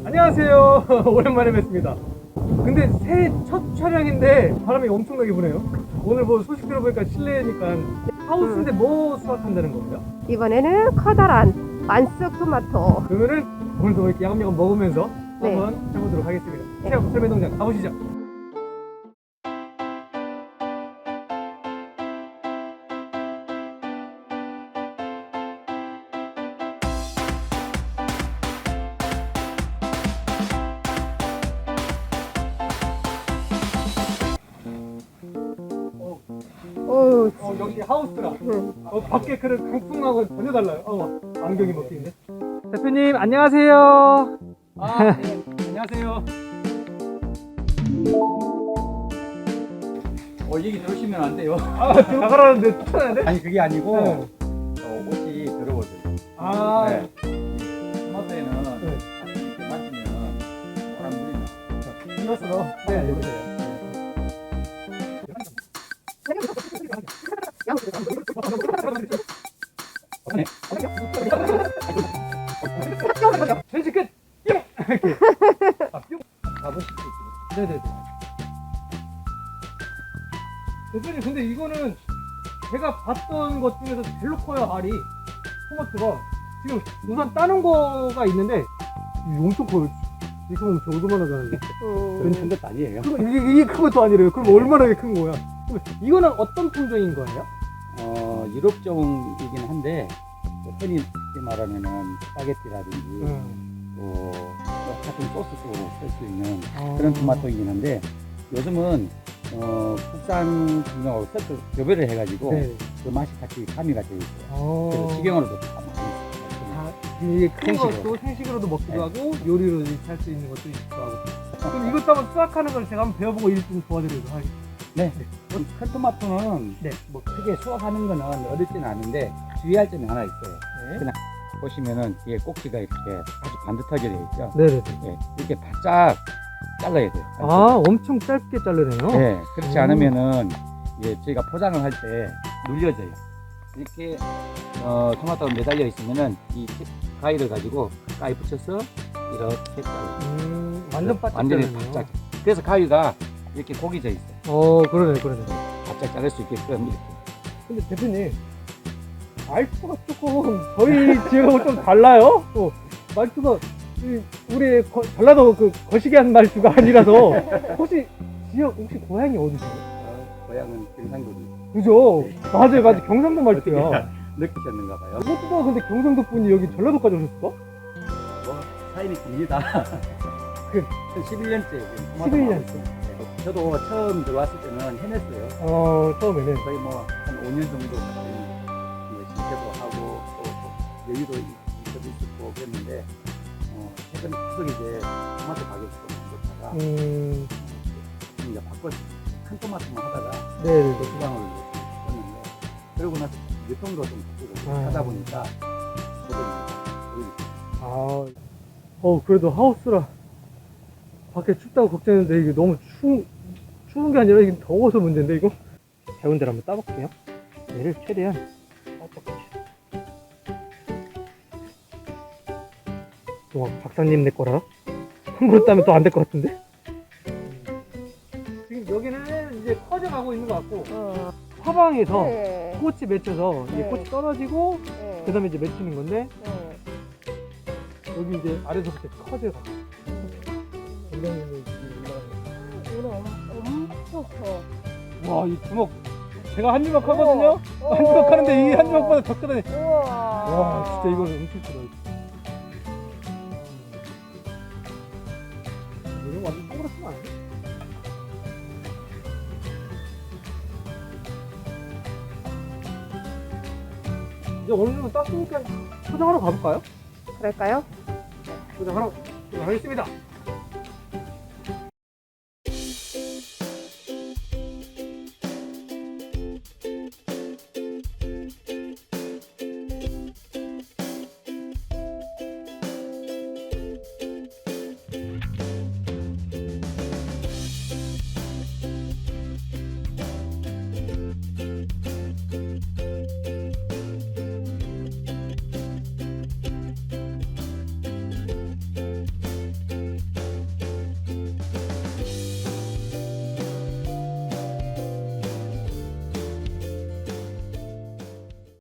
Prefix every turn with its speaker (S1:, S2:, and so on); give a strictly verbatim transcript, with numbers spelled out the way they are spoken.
S1: 안녕하세요. 오랜만에 뵙습니다. 근데 새해 첫 촬영인데 바람이 엄청나게 부네요. 오늘 뭐 소식 들어보니까 실내니까 하우스인데 뭐 수확한다는 거예요?
S2: 이번에는 커다란 만석 토마토.
S1: 그러면은 오늘도 이렇게 야금야금 먹으면서
S2: 네.
S1: 한번 해보도록 하겠습니다.
S2: 네.
S1: 체험 설매동장 가보시죠.
S2: 오,
S1: 어, 역시 하우스라.
S2: 응.
S1: 어, 밖에 그런 강풍하고 전혀 달라요. 어, 안경이 먹히는데. 대표님 안녕하세요. 아, 네. 안녕하세요.
S3: 어, 얘기 들으시면 안 돼요.
S1: 아, 지금 나가라는데 추천하는데?
S3: 아니, 그게 아니고,
S1: 네.
S3: 어, 옷이 더러워져요.
S1: 아,
S3: 네. 토마토에는,
S1: 네.
S3: 이렇게 맞으면, 바람 물이 나.
S1: 이것으로. 네, 해보세요. 전시 끝! 뿅! 이렇게. 아, 뿅!
S3: 가보시죠.
S1: 네네네. 대표님, 근데 이거는 제가 봤던 것 중에서 제일 커요, 알이. 토마토가. 지금 우선 따는 거가 있는데, 이게 엄청 커요. 이렇게 보면 저 얼마나 잘하는데.
S2: 음,
S3: 큰 것도 아니에요.
S1: 이게, 이게 큰 것도 아니래요. 그럼 얼마나 큰 거야? 그럼 이거는 어떤 품종인 거예요?
S3: 어, 유럽종이긴 한데, 뭐 흔히 말하면은, 스파게티라든지,
S1: 음.
S3: 또, 뭐 같은 소스 속으로 쓸 수 있는
S1: 아.
S3: 그런 토마토이긴 한데, 요즘은, 어, 국산 품종하고 섞어 교배를 해가지고,
S1: 네.
S3: 그 맛이 같이 가미가 되어 있어요.
S1: 어.
S3: 그래서 식용으로도 다 많이 있어요.
S1: 아, 이게 큰
S3: 생식으로.
S1: 것도 생식으로도 먹기도
S3: 네.
S1: 하고 요리로 할 수 있는 것도 있기도 하고. 그럼 이것도 한번 수확하는 걸 제가 한번 배워보고 일 좀 도와드리도록 하겠습니다.
S3: 네. 뭐, 큰 토마토는
S1: 네.
S3: 뭐 크게 수확하는 거는 어렵지는 않은데 주의할 점이 하나 있어요.
S1: 네.
S3: 그냥 보시면은 뒤에 꼭지가 이렇게 아주 반듯하게 되어 있죠.
S1: 네네네.
S3: 네. 이렇게 바짝 잘라야 돼요.
S1: 아, 엄청 짧게 자르네요.
S3: 네. 그렇지
S1: 음.
S3: 않으면은 이제 저희가 포장을 할 때 눌려져요. 이렇게 어, 토마토가 매달려 있으면은 이 가위를 가지고 가위 붙여서 이렇게 잘라요.
S1: 음, 완전 바짝
S3: 완전히
S1: 자르네요.
S3: 바짝. 그래서 가위가 이렇게 고기져 있어요.
S1: 어, 그러네, 그러네.
S3: 바짝 자를 수 있게끔 이렇게.
S1: 근데 대표님, 말투가 조금 저희 지역하고 좀 달라요? 또 말투가 이 우리 거, 전라도 그 거시기한 말투가 아니라서 혹시 지역 혹시 고향이 어디세요?
S3: 어, 고향은 경상도죠.
S1: 그죠? 맞아요, 맞아요. 경상도 말투야.
S3: 어떻게 느끼셨는가 봐요.
S1: 무엇보다 근데 경상도 분이 여기 전라도까지 오셨을까?
S3: 뭐 사연이 깁니다.
S1: 그
S3: 십일 년째
S1: 십일 년째.
S3: 저도 처음 들어왔을 때는 해냈어요.
S1: 어, 처음에는.
S3: 거의 뭐 한 오 년 정도 신세도 하고 또 여유도 있어도 있었고 그랬는데 어, 최근 계속 이제 토마토 가격이 좀 좋다가
S1: 음,
S3: 이제 바꿨어요. 큰 토마토만 하다가
S1: 네네네.
S3: 또 주방을 했는데 그러고 나서 유통도 좀 바꾸고
S1: 아.
S3: 하다 보니까 저도
S1: 아, 어, 그래도 하우스라. 밖에 춥다고 걱정했는데 이게 너무 추운, 추운 게 아니라 이게 더워서 문제인데 이거? 배운 대로 한번 따볼게요. 얘를 최대한 뻑뻑하게. 또 박사님 내 거라 함부로 따면 또 안 될 것 같은데? 지금 여기는 이제 커져가고 있는 것 같고
S2: 어,
S1: 사방에서
S2: 네.
S1: 꽃이 맺혀서 이제
S2: 네.
S1: 꽃이 떨어지고
S2: 네.
S1: 그 다음에 이제 맺히는 건데
S2: 네.
S1: 여기 이제 아래서부터 커져가고 굉장히
S2: 이거 엄청 커.
S1: 와, 이 주먹 제가 한 주먹 하거든요.
S2: 우와.
S1: 한 주먹 하는데 이 한 주먹보다 더 크다니.
S2: 우와.
S1: 와, 진짜 이거 엄청 크다. 이거 완전 동그랗지만 않네. 이제 어느 정도 땄으니까 포장하러 가볼까요?
S2: 그럴까요?
S1: 포장하러 가겠습니다.